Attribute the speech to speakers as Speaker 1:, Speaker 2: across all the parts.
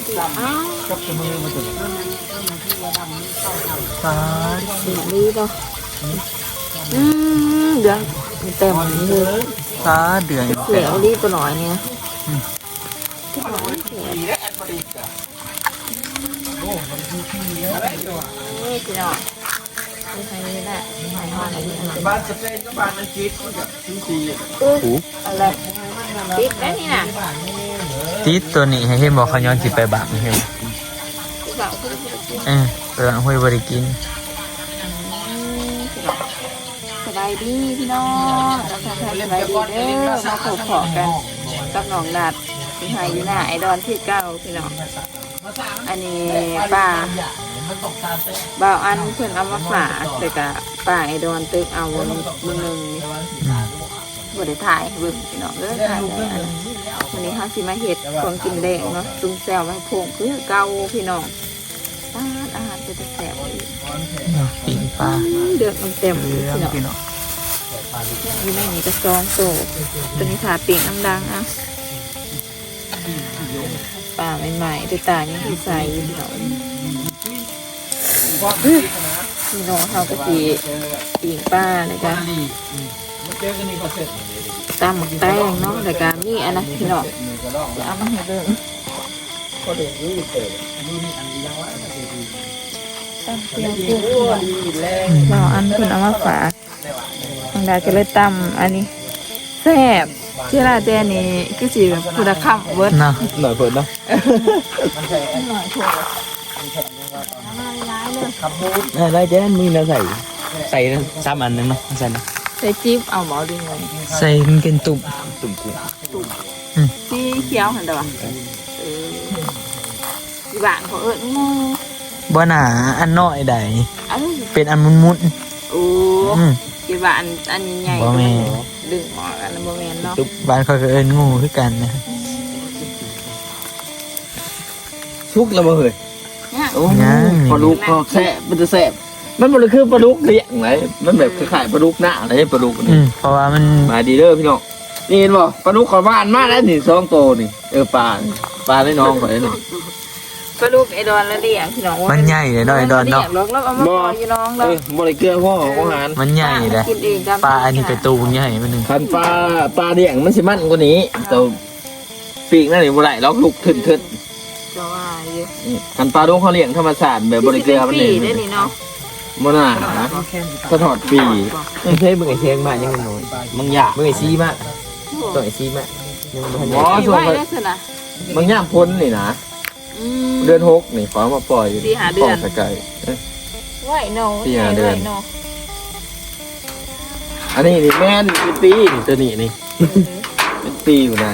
Speaker 1: กับจมือมาถึง
Speaker 2: ปลาสีนี้เนาะเดืองเต็มเลย
Speaker 1: ปลาเดือด
Speaker 2: เสียวรีบตัวหน่อยเนี่ยนี่พี่น้องไม่ใช่นี่แหละไม่ห่ออะไรนี่อะไร
Speaker 1: บ้านสเปนกับบ้านอังกฤษกับทุกที
Speaker 2: อะไรติดไหมนี่น่ะ
Speaker 3: ติดตัวนี้ให้เห็นบอกเขาย้อนสิไปบังเห็นเปิดห้วยบริกิน
Speaker 2: สบายดีพี่น้องเราทำสบายดีเด้อมาพบขอกันกับน้องนัดที่หายอยู่หน้าไอดอนที่เก้าพี่น้องอันนี้ป้าบ่าวอันเพื่อนเอามาฝากแต่กะป้าไอดอนตึกเอาบึงบริถ่ายบึงพี่น้องถ่ายได้วันนี้เขาสิมาเห็ดของกินแดงเนาะตุ้งแซวมาพงคือเก่าพี่น้องอาหารจะแสบ
Speaker 3: ปิ่งปลา
Speaker 2: เดือดมันเต็มพี่น้องอยู่ในนี้ก็ซองโตตัวนี้ขาปิ่งน้ำดังอ่ะป่าใหม่ๆตัวตายังที่ใส่พี่น้องพี่น้องเขาก็สีปิ่งป้าเลยจ้ะตามหมกแตงเนาะแต่การนี่อันนะพี่น้องจะเอามาให้เบิ่งตั้งเตียงกุ้งเราอันคุณเอามาฝากทางใดก็เลยตำอันนี้แซ่บเชื่อละเจนี่ก็สิคุณค่าเวิร์ด
Speaker 3: นะหน่อยเปิดเนาะ
Speaker 2: หน่อยถูก
Speaker 3: ได้เจ๊มีแล้วใส่ซ้ำอันนึงเนาะใส่
Speaker 2: จิ๊บเอาหมอดึงไง
Speaker 3: ใส่เป็นตุ่มกุ้ง
Speaker 2: ที่เขียวเห็นแต่ว่าที่บ้านเขางู
Speaker 3: บ่หนาอันน้อยใดเป็นอันมุน
Speaker 2: โอ้ที่บ้านอันใหญ่ดึงออกอันโมเมนต์เนาะ
Speaker 3: บ้านเขาก็งูคือกันนะ
Speaker 1: ชุกแล้วบ่เฮ้ย
Speaker 3: ป
Speaker 1: ลาดุกก็แซ่บมันจะแซ่บมันมันคือปลาดุกเลี้ยงไหนมันแบบคล้ายๆปลาดุกหน้าอะไรปลาดุกนี่
Speaker 3: เพราะว่ามัน
Speaker 1: มาดีเด้อพี่น้องนี่เห็นบ่ปลาดุกขอบ้านมาแล้วนี่2 โตนี่ปลาได้น้องไปนี่
Speaker 2: ปลาดุกไอดอนละเลี้ยงพี่น้อง
Speaker 3: มันใหญ่เลยไอดอนเนาะ
Speaker 2: แล้วเอามาปล่อยน้องแล้ว
Speaker 1: บ่ได้เกลือพ่อของอาหาร
Speaker 3: มันใหญ่เลยปลาอันนี้กระตูนใหญ่มันนึง
Speaker 1: คันปลาเลี้ยงมันสิมันกว่านี้แต่ปีกนั่นนี่บ่ได้ล็อกลูกทึน
Speaker 2: จะว่า
Speaker 1: คันปลาดุกเขาเลี้ยงธรรมชาติแบบบ่ได้เกลือมันนี่
Speaker 2: ได้นี่เนาะ
Speaker 1: มันน่ะสะทอดปี
Speaker 3: ไม่ใช่มึงไอเชียงมายังน้อย
Speaker 1: มึงอยาก
Speaker 3: มึงไอซีมาตัวไอซีมา
Speaker 1: ยังบ่ส่วนบางอย่างพ้นนี่นะเดือน6นี่ขอมาปล่อย
Speaker 2: ปล่อย
Speaker 1: ไกล
Speaker 2: ไหวโน่
Speaker 1: 4-5 เดือนอันนี้นี่แม่นเป็นปีนี่ตัวนี้นี่เป็นปีอยู่นะ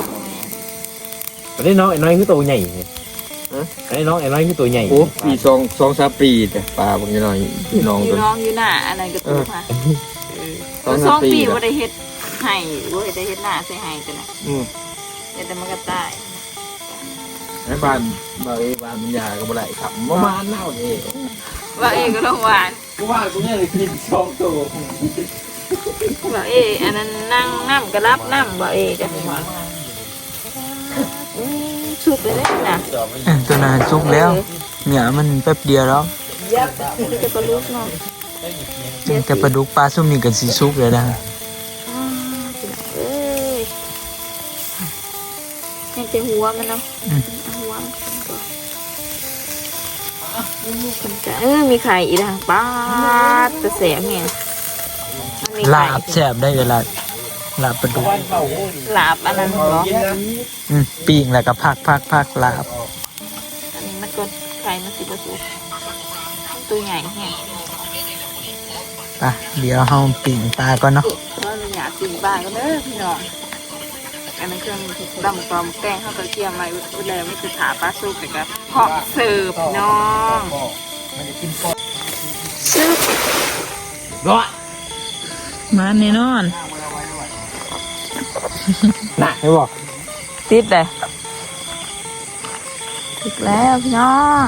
Speaker 3: อันนี้น้องไอ้น้อยคือตัวใหญ่อันนี้น้องไอ้น้อยคือตัวใหญ่
Speaker 1: โอ้ปี2-3 ปีแต่ปลาบางน้อยพี่น้องตัว
Speaker 2: น้องอยู่หน้าอะไรก็ตัวค่ะ2 ปีว่าได้เฮ็ดให้ว่าได้เฮ็ดหน้าใส่ให้กันนะแต่มันก็ตาย
Speaker 1: ไอ้บ้านมันยาก็บ่ได้ครับประมาณเน่าเอง
Speaker 2: ว่าเอก็ต้องหวาน
Speaker 1: กูว่ากูเนี่ยเลยกิน2 ตัว
Speaker 2: ว่าอันนั้นนั่งน้ำกระลับน้ำว่าจะสุกเลยนะ
Speaker 3: ตัวนั้นสุกแล้วเนี่ยมันแป๊บเดียวแล้ว
Speaker 2: จะปลาดุกเนาะ
Speaker 3: แต่ปลาดุกปลาส้มนี่กันสีสุกเลยนะ
Speaker 2: ยังจะหัวมันเนาะหัวมีไข่อีกนะป้าจะแสบเนี่ย
Speaker 3: ลาบแสบได้เวลาลาบปลาดุก
Speaker 2: ลาบอันนั้นเหรอ
Speaker 3: ปีกแล้วก็พักลาบ
Speaker 2: อันนี้มันก็ไข่มันสิบสุกตัวใหญ่แห้ง
Speaker 3: เดี๋ยวเฮาปีกปลาก่อนเนาะ
Speaker 2: เราอยากปีกปลาก็เด้อพี่น้องอันนั้นเครื่องดำปลอมแป้งข้าวกระเทียมอะไรอุดแล้วไม่คือถาปลาสุกแต่ก็เพาะเสิร์ฟน้องซึบ
Speaker 1: ร้อย
Speaker 2: มาแน่นอน
Speaker 1: น่ะให้บอก
Speaker 2: ติดเลยติดแล้วพี่น้อง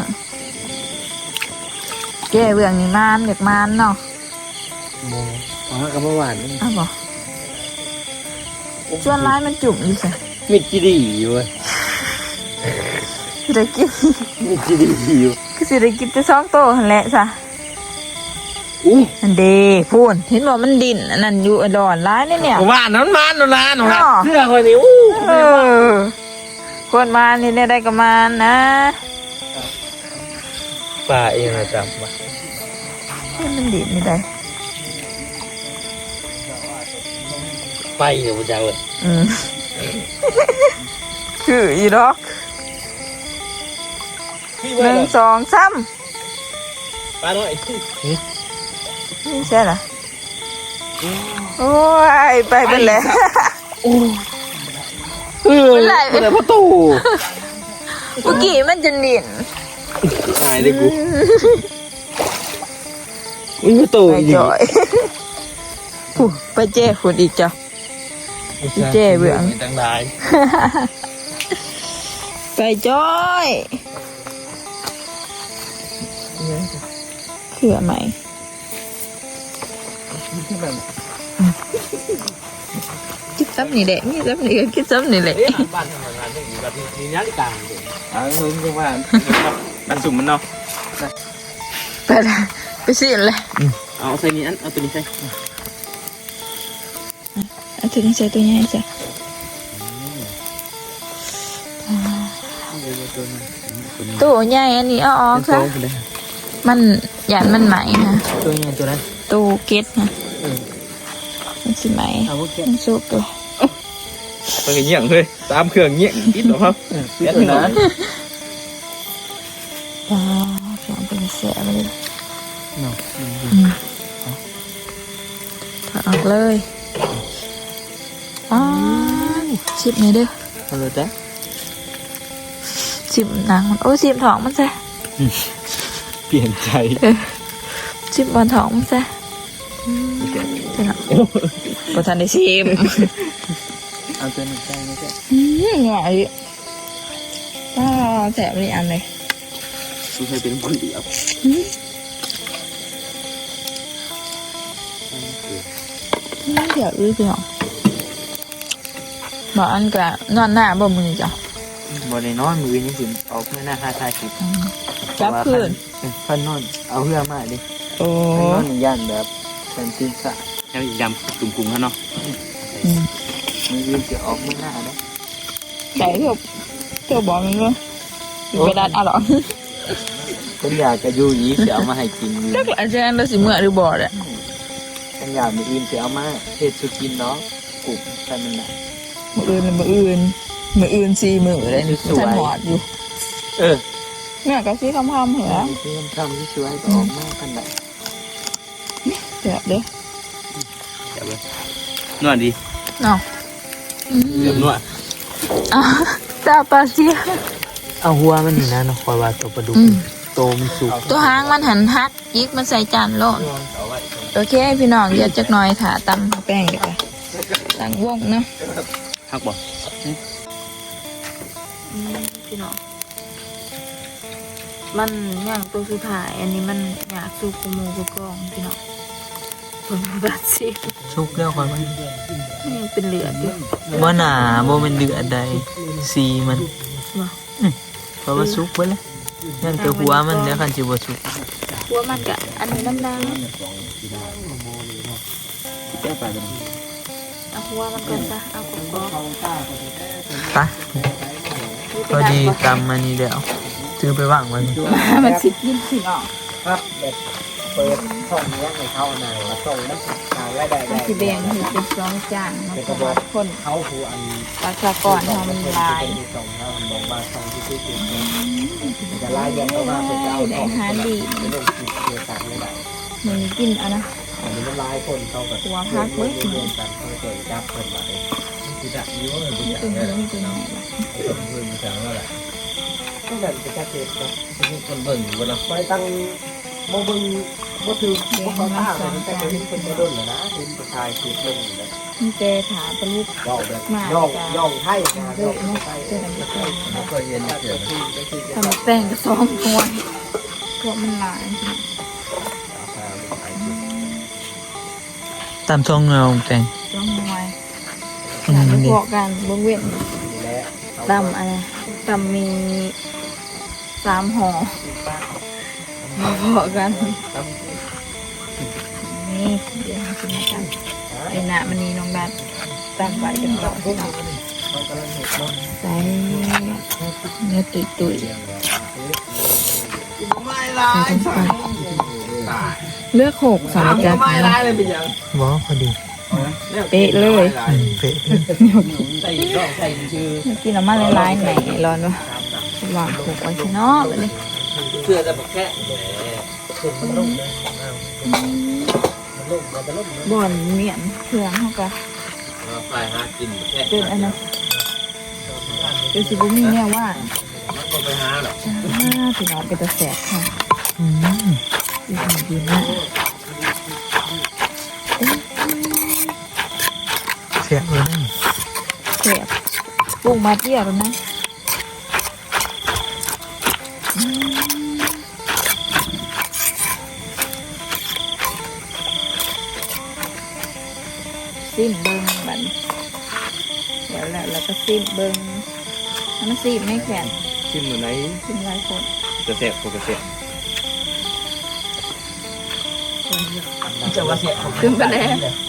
Speaker 2: แก่เบื้องนี่มันเด็กมันเนาะ
Speaker 1: กับเมื่อวาน
Speaker 2: อ้าวบอกชวนร้ายมันจุ่มอยู่สิ
Speaker 1: มิดจีดีอยู่เว้ย
Speaker 2: สิได้กิน
Speaker 1: มีจีดีอยู่
Speaker 2: คือสิได้กินแต่2โตหั่นแหละซะ
Speaker 1: อู้
Speaker 2: อันเด้พูนเห็นบ่มันดิ่นอันนั้นอยู่ไอ้ดอนร้ายเนี่ย
Speaker 1: ว่าน้ำมันนะหนูนะ
Speaker 2: อ๋อ
Speaker 1: เสื้อคนนี้อู้
Speaker 2: เออคนมานี่ได้ก็มานะ
Speaker 3: ปลาเองนะจับมา
Speaker 2: มันดิ่นนี่ได้
Speaker 3: ไปเดี๋ยวจะเอาเลย
Speaker 2: อืมคืออีดอก 1 2 3
Speaker 3: ปลาหน่อย
Speaker 2: นี่ใช่เหรอโอ้ยไปเป็นแล้ว
Speaker 1: เป็นไรเป็นประตู
Speaker 2: เมื่อกี้มันจะดิ่น
Speaker 3: หายได้กู
Speaker 1: มีประตู
Speaker 2: ไป
Speaker 1: อีก
Speaker 2: จ่อยผู้ไปเจ้คุณอีกจ้ะ เจ๊เบื่อ
Speaker 3: ตั้งหลาย
Speaker 2: ไปจ้อยเขื่อไหมคิดซ้ำนี่แหละนี่ซ้ำนี่ก็คิดซ้ำนี่แหละ
Speaker 3: บ้านทำงานต้องอยู่แบบนี้นาฬิกา
Speaker 1: เอาเงินจังหวะ
Speaker 3: มันสุ่มมันเนาะ
Speaker 2: ไปละไปสิเลย
Speaker 3: เอาใส่นี้อันเอาตัวนี้ใส่
Speaker 2: เอาตัวนี้ใส่ตัวใหญ่จ้ะตัวใหญ่อันนี้เอาออกซะมันหยาดมันไหมนะ
Speaker 3: ตัวนี้ตัวนั้น
Speaker 2: ตู้เก็ตนะมันสิไหม
Speaker 3: เอาพวกแค่
Speaker 2: มันสุกเลย
Speaker 3: ไปเงี้ยงเลยตามเครื่องเงี้ยงกินหรอครับ
Speaker 1: เดี๋ยวนะ
Speaker 2: ว้าวสองเป็นเสียไปเลย
Speaker 3: เนาะ
Speaker 2: ถอดออกเลยอ้าวชิบหน่อยเด้อ
Speaker 3: เอาเลยจ้ะ
Speaker 2: ชิบหนังมันโอ้ชิบท้องมันซะ
Speaker 3: เปลี่ยนใจ
Speaker 2: ชิบบนท้องมันซะใช่หรอประธานได้ชิม
Speaker 3: เอาตัวนี้ใส่ไม่ใช่
Speaker 2: หวานดิว้าวแสบเลยอันเลย
Speaker 3: กูเคยเป็นคนเดียว
Speaker 2: เดี๋ยวอื้อไปหรอบอกอันกะนอนหน้าบ่มือจ้ะ
Speaker 3: บอลในนอนมือนี่สิออกไม่น่าท้าทายคลิป
Speaker 2: จับคืน
Speaker 3: พันนอนเอาเพื่อมาดิ
Speaker 2: โอ้
Speaker 1: นอนย่านแบบเป็นตีนสะ
Speaker 3: แล้วอีกดำกลุ่มๆเขาเนาะ
Speaker 1: มันยืนจะออกไม่หน้านะ
Speaker 2: ใส่เที่ยวบอกมันว่าอยู่ไปดัดอ่ะหรอ
Speaker 1: ฉันอยากจะอยู่ยี้จะเอามาให้กินอยู่
Speaker 2: นักอาจารย์เราสิเมื่อหรือบ่แหละ
Speaker 1: ฉันอยากมีอื่นจะเอามาเฮ็ดสุกินเนาะกลุ่มแต่มันหนัก
Speaker 2: มืออื่น4 มื้อเลยนี่ท่านหอดอยู่
Speaker 1: เออ
Speaker 2: เนี่ยก็สิคำๆเหรอ
Speaker 1: มีที่ทำที่ช่วยก็ออกมาขนาด
Speaker 2: เดี๋ยวเด้อ
Speaker 3: เดี๋ยวเลยนวดดี
Speaker 2: เนาะ
Speaker 3: เดี๋ยวนวด
Speaker 2: อ่ะตาปลาเสีย
Speaker 3: เอาหัวมันนี่นะคอยว่าตัวปลาดุกโตมันสุก
Speaker 2: ตัวหางมันหันหักยิกมันใส่จานโลดโอเคพี่น้องเดี๋ยวจักหน่อยถาตำแป้งดีกว่าตั้งวงเนาะ
Speaker 3: ฮักบ่
Speaker 2: พี่น้องมันย่างตัวสุดท้ายอันนี้มันอยากสูบกูมูกูกองพี่น้องเพิ่งบาดสิ
Speaker 3: สุกแล้วคอยมัน
Speaker 2: ยังเป็นเหลือดอยู่
Speaker 3: บ่หนาบ่เป็นเดือดใดสีมัน
Speaker 2: ว่ะ
Speaker 3: เพราะว่าสุกไปแล้วยังแต่หัวมันเดี๋ยวคันสิบ่สุก
Speaker 2: หัวมันกะอันนี้น้ำดัง
Speaker 3: แก้ไปกัน
Speaker 2: เอาหัวมันก่อนซะเอากรอบ
Speaker 3: ไปพอดีตำมันนี่เดี๋ยวซื้อไปวางไว้
Speaker 2: ๆมันสิกินพี่น้อง
Speaker 1: ครับแบบเปิดช่องนี้ให้เข้าในมาส่งนะขายรายได้
Speaker 2: มันสิแบ่งให้เป็น2จานเนาะเพราะว่าคน
Speaker 1: เขาผู้อัน
Speaker 2: ประชากรเฮามันหลาย
Speaker 1: ส่งเขาบอกมาส่งที่ที่ที่จะไล่แยกเข้ามาเป็นเจ้า
Speaker 2: ได้อาหารดี
Speaker 1: ไม่ต้องกินเกี่ยวกับไม่ได้
Speaker 2: มันกินเอ่ะนะ
Speaker 1: อันนี้มันลายคนเขาแบบ
Speaker 2: หัวพักเบิด
Speaker 1: เรียนกันเขาเกิดจับคนมาเลยที่ดักยิ้วเลย
Speaker 2: นี่เป็นเรื่องเป็นยังไงล่ะ
Speaker 1: คนเบิ่งจังแล้วแหละก็แบบเป็นกระเทียมนะคนเบิ่งอยู่นะไปตั้งโมบึงบ่ถือบ่เข้าท่าเลยแต่เห็นคนมาโดนแล้วนะเห็นผู้ชายคือเบิ่งนะ
Speaker 2: มีแต่ถาปลุก
Speaker 1: ย่องแบบย่องไทยนะ
Speaker 2: เลิกเนาะเจอกันอีกแล้ว
Speaker 1: ไม่เคยเห็นเสียง
Speaker 2: ทำแป้งกระซ้อมกวนเพราะมันหลาย
Speaker 3: ตามช่องเงาแต่ง
Speaker 2: ต้องมวยการพวกการเบื้องเว้นดำอะไรตตำมี3ห่อมาพอกันนี่เดี๋ยวมากินกันไอ้หน้ามันนี่น้องดัดตั้งไว้กันก่อนใส่เนื้อตุยเลือกหกสองจาน
Speaker 3: บ่พอดี
Speaker 2: เป๊ะเลย
Speaker 3: เป๊ะ
Speaker 2: กินน้ำมันลายๆไหนร้อนวะวางหกไว้ข้างนอกเลย
Speaker 1: เสื้อจะแค่มันลุ่มเลยมันจะลุ่ม
Speaker 2: บ่อนเมียนเครื่องเขาก็
Speaker 1: ไฟหากินแค่
Speaker 2: เป็นอันนั้นเป็นสิบุมีเนี่ยว่า
Speaker 1: มันไปหาหรอก
Speaker 2: พี่น้องเป็นตะแสบค่ะ
Speaker 3: อืม
Speaker 2: ดีดีนะ
Speaker 3: เสียเลยนะ
Speaker 2: แสบปรุงมาเที่ยวแล้วนะซิมเบิ้งบันเดี๋ยวแล้วก็ซิมเบิ้งมันซิมไม่แข็ง
Speaker 1: ชิมเหมือนไหน
Speaker 2: ซิมหลายคน
Speaker 1: กระเสียบกระเสียบจะว่าเสียบ
Speaker 2: ซึมไปแล้ว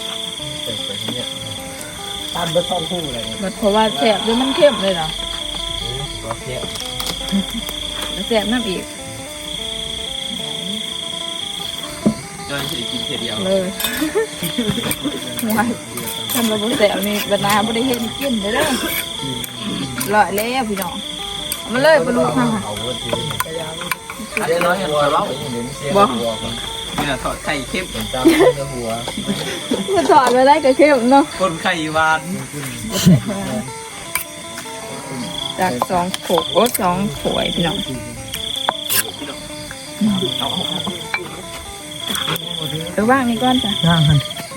Speaker 1: ตามด้วยช่องคู่อะไร
Speaker 2: มันเพราะว่าแสบด้วยมันเข้มเลยเหรอ
Speaker 1: ก็เสียบ
Speaker 2: แล้วแสบน้ำอีก
Speaker 1: จอยจะกินเสียเดียว
Speaker 2: เลยว้ายทำมาบนแสบนี่บรรณาไม่ได้เห็นกินเลยเด้อลอยแล้วพี่น้องเอามาเลยปลาลูกค่ะ
Speaker 1: เอาเงินทีอันนี้น้อยหัวเราเห็นเสียหัวนี่นะทอดไข่เข้มเหมือนจ้าหัว
Speaker 2: มันถอดไปได้ก็เข้มเนาะ
Speaker 1: คนไข่หวาน
Speaker 2: จาก2 โขกโอ้2 ถ้วยพี่น้องว่างนี่ก่อนจ้ะ
Speaker 3: ย่างหัน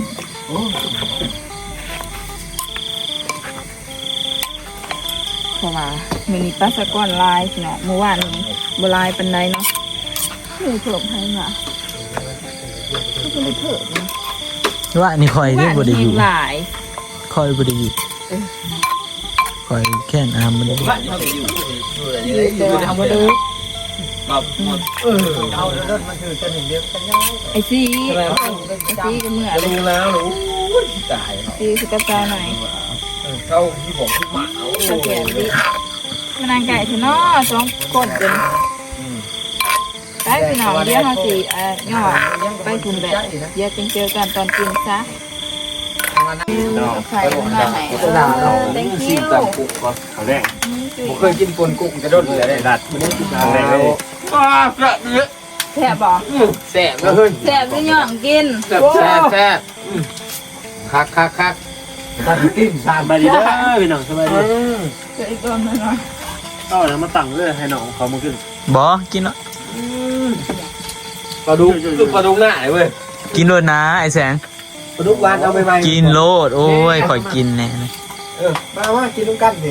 Speaker 2: เพราะว่ามื้อนี้ปลาสะก้อนลายพี่น้องเมื่อวานนี้บ่ลายปานใดเนาะนี่เพิ่มให้มาก็เลยเพิ่มนะ
Speaker 3: ว่านี่คอยได้บ่ได้อยู่
Speaker 2: หลาย
Speaker 3: คอยบ่ได้อยู่คอยแค่น้ำมันได้
Speaker 1: บ้านเขาอยู่อะไร
Speaker 2: อยู่แต่ว่าบ่ได้
Speaker 1: แบบเอาเดินมาคือจะเห็นเดียวกันยัง
Speaker 2: ไอ้ซีก็เมื่อเลย
Speaker 1: รู้แล้วรู้ตาย
Speaker 2: ซีสุกระจายหน่อย
Speaker 1: เข้าที่ผมที่หมา
Speaker 2: ตะแกรงดิมันนางไก่ที่น้อ2 คนเป็นได้พี่น้องเดี๋ยวเฮาสิย่อไปคุมแบบเดี๋ยวเจอกันตอนกินซะใส่มาไหนthank you
Speaker 1: กุ๊กก่อนเขาแรกผมเคยกินปนกุ๊กจะโดนเลยได้ดัดไม่ได้กินอะไรเลยว้ากระเนื้อ
Speaker 2: แซ่บบ่
Speaker 1: แซ่บเลย
Speaker 2: แซ่บด้วยย่องกิน
Speaker 1: แซ่บคักตั้งติ้มสาม
Speaker 4: สบายดีเด้อพี่น้องสบายดี
Speaker 2: เจออีกคนนึงเนาะ
Speaker 4: เอาแล้วมาตั้งเลยให้น้องเขามาขึ้น
Speaker 3: บ่กินเนาะ
Speaker 1: ปลาดุกคือปลาดุกหน้าเลยเว้ย
Speaker 3: กินโลดนะไอ้แสง
Speaker 1: ปลาดุกหวานเอาไปไหม
Speaker 3: กินโลดโอ้ยคอยกินแน่นะ
Speaker 1: มากินน้ำกันดิ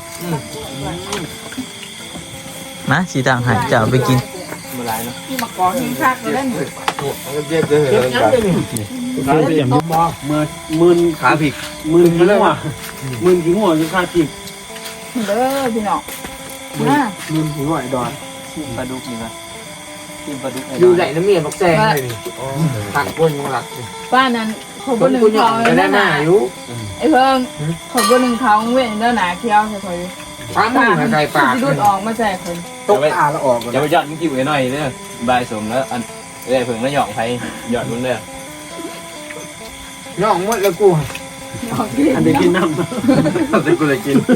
Speaker 3: มาสิต่างหายจะเอาไปกิน
Speaker 1: มาหลายเนาะ
Speaker 2: ที่มากอทิ้งคักเลยนี่
Speaker 1: เจ็บเลย
Speaker 4: ขาเสียมยุบบ่มืน
Speaker 1: ขาผิด
Speaker 4: มืนกิ้งหัวมืนกิ้งหัวอยู่ค่าจีบ
Speaker 2: เด้อพี่น้องมา
Speaker 4: มืนกิ้งหัวไอ้ดอน
Speaker 1: ปลาดุกนี่นะกินปลาดุก
Speaker 4: อยู่ไหนน้ำเมียนบักแซงเลยนี่
Speaker 1: ตักก้นยังหลัก
Speaker 2: ป้านั้นขอบ1เขา
Speaker 4: จะได้หน้าอยู่
Speaker 2: ไอ้เพิ่งขอบ1เขาเว้นเด้อหนาเคี้ยวใส่คอย
Speaker 4: ฟ้ามือใส่ปาก
Speaker 2: สิดูดออกมาใส่คน
Speaker 4: ตกตาแล้วออก
Speaker 1: อย่าไปยอดกิ้งไว้หน่อยเด้อบายสมแล้วอันเอ้ยเพิ่งแล้วหยอกไผหยอดมึงเด้อย่
Speaker 4: องหมดแล้วกู อันเดียวกินน้ำ
Speaker 1: แต่กูเลยกิน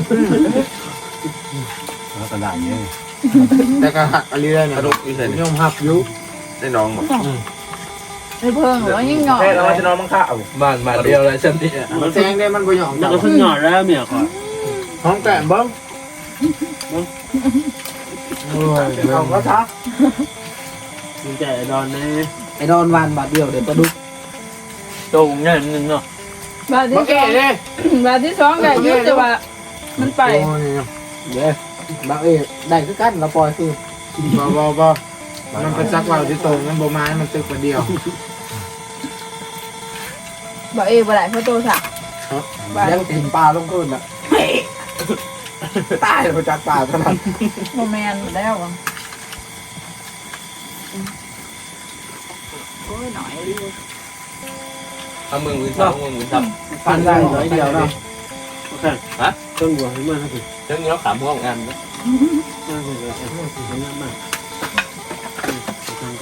Speaker 4: แล้วก็ได้เนี่ย
Speaker 1: แต่ก็หักอะไรได้เนี่ยปลาดุกอีใส่
Speaker 4: ยอมหักอยู่
Speaker 1: ได้น้องหมด
Speaker 2: ไอ้เพิ่งหรือว่ายิ่งหยอก
Speaker 4: แค่เราจะนอนมังค่าเอา
Speaker 1: บ้านเดียวเลยฉันที่
Speaker 4: มันแซงได้มันบ่หยองแล้วก็ขึ้นหยอดแล้วเมียขอ
Speaker 1: ห้องแกะบ้าง
Speaker 4: เอาก็ทักมึงใจไอ้ดอนแน่ไอ้ดอนวันบาทเดียวเดี๋ยวปลาดุก
Speaker 1: ตรงเงี้ยนึงเนาะ
Speaker 2: บาทที่ 2บาทที่2ก็ยุติว่ามันไป
Speaker 4: เดี๋ยวบางเอ๋ได้คือกันเราปล่อยคือบ่มันเป็นซักว่าวที่ตรงมันบ่มามันตึกคนเดียว
Speaker 2: บ่บ่ได้เพราะโตสัก
Speaker 4: ยังกินปลาลงคืนอ่ะตายมาจากป่าเท่านั้น
Speaker 2: โมแมนหมดแล้วอ่ะโอ้ยหน่อยดิ
Speaker 1: เอามือซับมือซับ
Speaker 4: ฟันได้น้อยเดียวเนาะ
Speaker 5: โอเค
Speaker 1: ฮะ
Speaker 5: เครื่องบัวให้มากครับพี่
Speaker 1: เรื่องนี้เราขำพวกงาน
Speaker 5: มากเลยครับมากทำกัน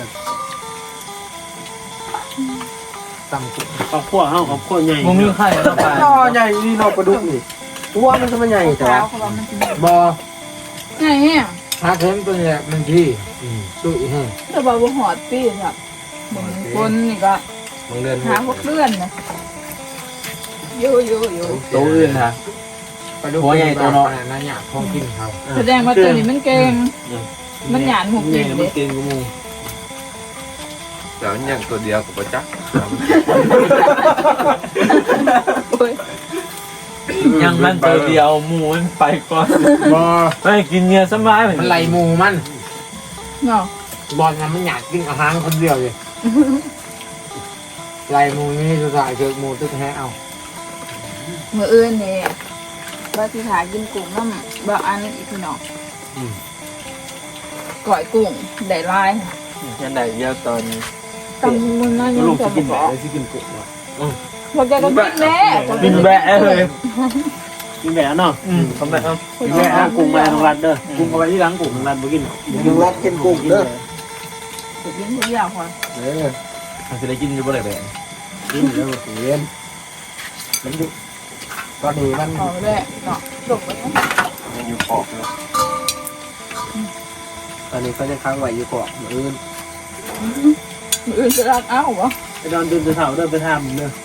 Speaker 4: ตำกุ
Speaker 5: ครอบครัวเฮาครอบครัวใหญ่
Speaker 3: มึงมีไข่แล้วไป
Speaker 4: นอใหญ่นี่นอปลาดุกนี่ตัวมันก็มันใหญ่แต่
Speaker 2: เช้า
Speaker 4: ว่า
Speaker 2: เขาบอกมันจะ
Speaker 4: บ่
Speaker 2: ไงเนี่ย
Speaker 4: หาเข็มตัวนี้มันที่สู้อีกแห้ง
Speaker 2: แต่บอกว่าหอดปีครับเหมือนคนนี่ก็
Speaker 1: บางเดือน
Speaker 2: หาพวกเลื่อนนะอยู่
Speaker 1: ตัวอื่นฮะ
Speaker 4: ปลาดุกหัวใหญ่ตัวน้อยนั่นอยากของกินเขา
Speaker 2: แสดงว่าตัวนี้มันเก่งมันหยาดหุบ
Speaker 5: ให
Speaker 2: กิ
Speaker 5: ญ่
Speaker 2: น
Speaker 5: มั
Speaker 2: เด็
Speaker 5: นเก่งกูมู
Speaker 1: แต่อย่างตัวเดียวกับประจักษ์
Speaker 3: ยังมันตัวเดียวหมูมันไปก่อน
Speaker 4: บ่
Speaker 3: ไม่กินเนื้อสบายเหมือน
Speaker 4: มันไหลหมูมัน
Speaker 2: เนาะ
Speaker 4: บอลมันอยากกินอาหารคนเดียวเลยไหลหมูนี่สุดท้ายเจอหมูตึกแฮเอา
Speaker 2: มืออื่นนี่ว่าสิหากินกุ้งน้ำบางอันอีกพี่น้องก่อยกุ้งได้ลาย
Speaker 3: ยันได้เดียวตอน
Speaker 2: ตำมือนั่น
Speaker 5: ก็
Speaker 2: ยัง
Speaker 5: ลง
Speaker 2: จะ
Speaker 5: สิกิน
Speaker 2: บ
Speaker 5: แบะ
Speaker 2: อก
Speaker 5: เลยสิกินกุ้งว่ะ
Speaker 2: พวกแกก็กินแม่
Speaker 3: บินแบะเลย
Speaker 5: กินแบะเนาะ
Speaker 3: ทำไมครับ
Speaker 5: กินแบะกุ้งแบะน้องรัดเด้อกุ้งเอาไว้ที่หลังกุ้งน้องรัดบ่กิน
Speaker 4: ยุงรัดกินกุ้งเด้อ
Speaker 2: กินทุกอย่างค่ะ
Speaker 1: มันจะได้กินอยู่บ่ได้แบบ
Speaker 4: กินเด้อเวียนมันอยู่ตอนนี้มัน
Speaker 2: เอาเลยเนาะจบไปแล้ว
Speaker 1: มันอยู่ขอบเลย
Speaker 4: ตอนนี้ก็จะค้างไว้อยู่เกาะมืออื่น
Speaker 2: มืออื่นจะรักเอ้าเหรอ
Speaker 5: ไปดอนตื่นไปเฒ่าเด้อไปทำเด้อ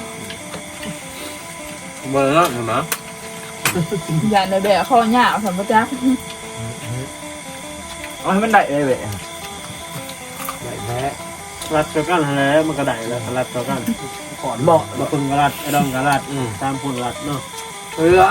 Speaker 1: เบอร์ละเห็นไหม
Speaker 2: อย่าในแบบข้อหยาบสมมติจ้า
Speaker 3: เอาให้มันได้เลยเว้ย
Speaker 4: ไหลแพ้
Speaker 5: รัดเท่ากันแล้วมันก็ได้แล้วรัดเท่ากัน
Speaker 4: ขอนเหมาะ
Speaker 5: บางคนก็รัดไอ้ดองก็รัดตามคนรัดเนาะ
Speaker 4: เรือ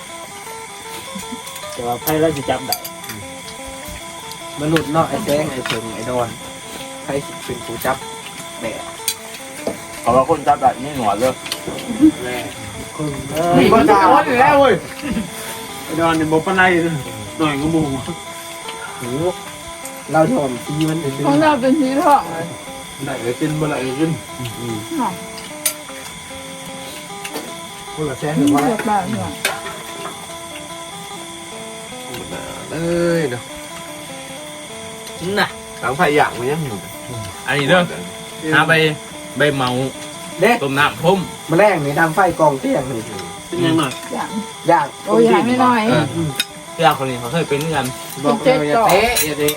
Speaker 5: แต่ว่าไพ่เราจะจับได้
Speaker 4: มนุษย์เนาะไอ้แจ้งไอ้เพิงไอ้ดอนใครเป็นผู้จับแบะ
Speaker 1: เขาว่าคนจับแบบนี้หนวดเลย
Speaker 4: แม่
Speaker 5: คนเด้
Speaker 4: มีคนจับคนอยู่แล้วเว้ย
Speaker 5: ไอ้ดอนนี่บ่ปานใดเด้อหน่อยก็มู
Speaker 4: โหเราถอมตีมันเป็น
Speaker 2: ของเราเป็นสีทองเลย
Speaker 1: ได้เลยกินบ่ได้กิน
Speaker 2: เนาะ
Speaker 4: คนละแสน
Speaker 2: นี่
Speaker 4: ว่า
Speaker 2: เรียบร้อยเนาะ
Speaker 1: เอ้ยเนาะน่ะหลังไฟอย่างมันยังอยู่อันนี้เด้อหาใบเมา
Speaker 4: เด็ก
Speaker 1: ต้มน้ำพุ่ม
Speaker 4: มาแรงนี่ดังไฟกองเตี้ยงนี่
Speaker 5: เป็นยังหน่อย
Speaker 2: อย่าง
Speaker 4: ย่าง
Speaker 2: โอ้ยอย่างน้อย
Speaker 1: เพื่อนคนนี้เขาเคยเป็นกัน
Speaker 4: บอกเลยอย่าเตะอย่าเตะ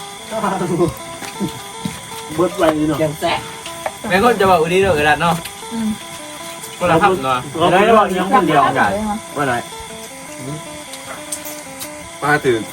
Speaker 5: เบิดไว้เนาะ
Speaker 4: ยังแสะ
Speaker 1: แม่ก็จะบอกวันนี้เด้อกระดาษเนาะก็ละครับเนาะ
Speaker 5: เราไม่ได้บอกยังคนเดียว
Speaker 2: กัน
Speaker 1: ว่าไหนมาถึง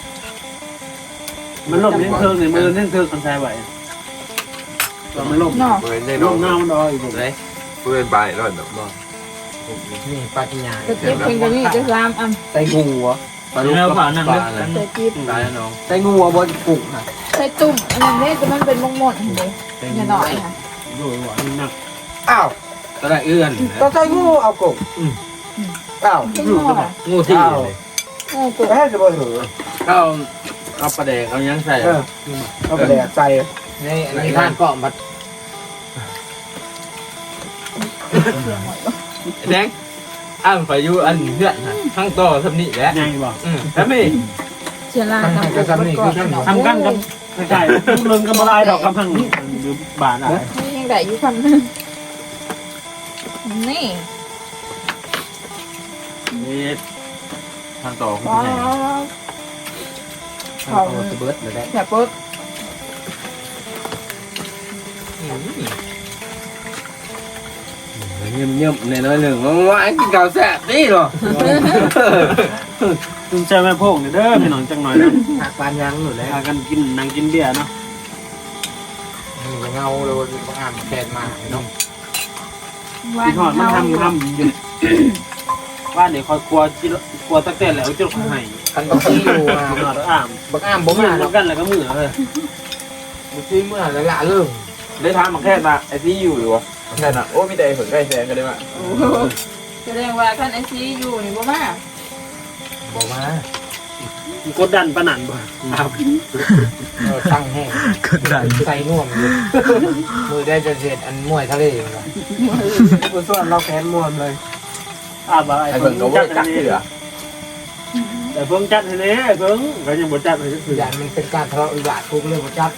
Speaker 5: มันลบเล่นเทิงเนี่ยมือเล่นเทิงคนชายไหวเราไม่ลบ
Speaker 2: เนาะ
Speaker 1: เปิดได้
Speaker 5: ล
Speaker 1: น้อง
Speaker 5: บหน้ามันดอยอีก
Speaker 1: เลยเปิดไปแล้วเนาะ
Speaker 4: นี่ปลากินยา
Speaker 2: จะจิ๊บเป็นกันนี่จะซ้ำอัน
Speaker 4: ไตงูเหรอ
Speaker 1: ปลาลูก
Speaker 3: แล้ว
Speaker 1: ป
Speaker 3: ผ่า
Speaker 1: ลาน
Speaker 3: นั่ง
Speaker 1: ป
Speaker 3: เด้
Speaker 1: ลาอะไร
Speaker 2: จะจิ๊บ
Speaker 1: ตายแล้วน้อง
Speaker 4: ไตงูเหรอบนกุ้งนะ
Speaker 2: ใส่ตุ่มอันนี้จะมันเป็นมงมดเลยอย่าหน่อยค่ะ
Speaker 5: โดยหวานนัก
Speaker 4: อ้าว
Speaker 1: ตะไคร้เอื้อน
Speaker 4: ก็ไตงูเอากุ้งอ้าว
Speaker 2: เป็นงอ
Speaker 1: งูที่เลย
Speaker 2: โอ้กุ๊
Speaker 4: แค่จะบ่ถือ
Speaker 1: เขาเอาปลาแดกเขายังใส่
Speaker 4: เอาไปแดกใส่นี่อันนี้ท่านก็มัด
Speaker 1: แดงอ้างไปอยู่อันเพื่อนทั้งต่อทำนี่แหละ
Speaker 5: ใหญ่บ่
Speaker 1: แล้วนี่
Speaker 2: เชียร์ลากับกุ๊กก่อน
Speaker 5: ทำกันกับใช่ลูกเลิงกับอะไรดอกกำพังหรือบาทอะไร
Speaker 2: ยังได้อยู่คำนึงนี่
Speaker 1: นี่ทางต่อ
Speaker 2: ว้าว
Speaker 4: เอาสเบิร์ดเลยได้
Speaker 2: แค่ปุ๊บ
Speaker 1: เงียบๆในน้อยหนึ่งว่าไอ้กินข้าวแซ่บนี่หรอ
Speaker 5: คุณใจแม่พงเด้อพี่น้องจังหน่อยนะ
Speaker 4: หักปานยังอยู่แล้ว
Speaker 5: พากันกินนั่งกินเบียร์เนาะ
Speaker 4: เงาเลยบางอ่านแทนมาเนาะ
Speaker 5: พี่ทอดมันทำอยู่ว่าเดี๋ยวคอยกลัวตักแต่แล้วจะให้
Speaker 4: คันบางทีอยู่
Speaker 5: หอดอ่าม
Speaker 4: บางอ่าน
Speaker 5: บ่
Speaker 4: บ่
Speaker 5: มา
Speaker 4: มา
Speaker 5: แล้
Speaker 4: แล้ว ว
Speaker 5: กันแล้วก็มือเลย
Speaker 4: บางทีเมื่อละเริ่ม
Speaker 1: ได้ทานมาแค่มาไอ้ที่อยู่หรือวะแค่น่ะโอ้มีแต่ผลใกล้แสงกันได้ไหม
Speaker 2: แสดงว่าท่านไอซีอยู่นี่บ่มา
Speaker 4: บอกมาก
Speaker 5: ดดันปะนันบ่ครับ
Speaker 4: ตั้งแห้ง
Speaker 3: กดดัน
Speaker 4: ใส่น่วมอยู่มือได้จะเสร็จอันมวยทะเลอยู่ละ
Speaker 1: ผู้ส่วนเราแค้นมวนเลย
Speaker 5: บ่ไอ้เพิ่งจัดจักเหลือแต่เพิ่งจัดให้เลยเพิ่งก็ยังบ่จัดให้คือ
Speaker 4: อย่างมันเป็นการทะเลาะวิวาททุกเรื่องประจับ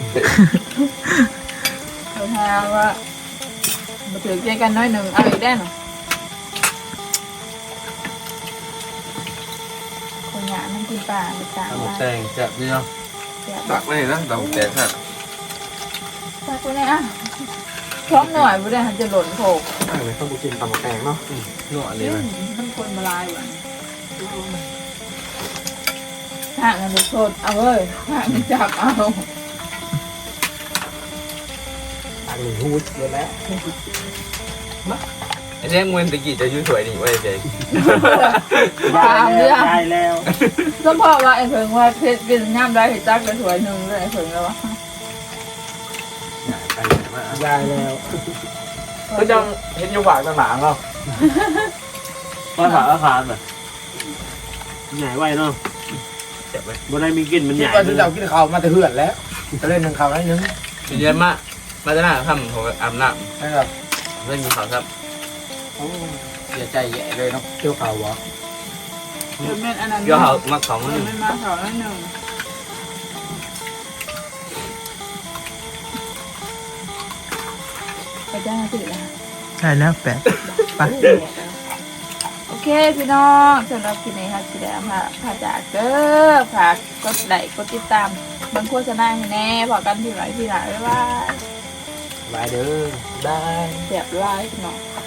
Speaker 2: เขาทาว่ามาถือใจกันน้อยหนึ่งเอาอีกได้หรอคนหยามันกินป่าไปตาม
Speaker 1: ตำ
Speaker 2: ว่า
Speaker 1: แตงจะนี่เนาะ
Speaker 6: ตักไม่เห็นนะตำแตงฮะ
Speaker 2: ตักไปเลยอ่ะพร้อมหน่อยไม่ได้จะหล่นโขก
Speaker 1: เลยต้องกินตำแตงเนาะนวดเลย
Speaker 2: มันคนมาลายว่ะห่างกันทุกโทษเอาเว้ยห่างกันจับเอา
Speaker 1: อันนี้ฮูดเลยแหละ
Speaker 6: ไอ้เจ๊งเวนตะกี้จะยืดสวยนี่เว้ยเจ๊
Speaker 2: ตามเรื่อง
Speaker 5: ได้แล้ว
Speaker 2: ก็พอว่าไอ้เพิงว่าเพชรเป็นย่ำได้เห็นจักกันสวยหนึ่งเลยไอ้เพิงแล้ววะ
Speaker 1: ไปมาย
Speaker 4: ายแล้ว
Speaker 1: ก็จังเห็นอยู่ฝากต่างหลังเรา
Speaker 5: ก็ถามอาคารแบบใหญ่ไว้เนาะ
Speaker 6: เจ็บไหม
Speaker 5: บ่ได้มีกินมัน
Speaker 4: คิ
Speaker 5: ให
Speaker 4: ด
Speaker 5: ญ่
Speaker 4: ว่าจะเอากินข้าวมาแต่เหือนแล้วจะเล่นหนึ่งข้าวได้นึง
Speaker 6: พี่เย็นมาจะหน้าทำผมอาบน้
Speaker 4: ใช่ครับ
Speaker 6: ำเล่นมีข่าวครับ
Speaker 4: เสียใจแย่เลยเนาะเที่ยวข่าววะ
Speaker 2: เป็นเม็ดอันนั้น
Speaker 6: เดี๋ยวเขามาของ
Speaker 2: เป็
Speaker 6: นึ
Speaker 2: น
Speaker 6: ง
Speaker 2: เม็ดมาสองแล้วหนึ่งไปจ้างสิละ
Speaker 3: ใช่แล้วแปดไป
Speaker 2: โอเคพี่น้องสำหรับคลิปนี้ค่ะสิได้พาจากเด้อฝากกดไลค์กดติดตามบางโฆษณาให้แน่พอกันที่ไหนที่ไหนบ๊ายบาย
Speaker 4: บายเด้อได้
Speaker 2: เสียบไลค์พี่น้อง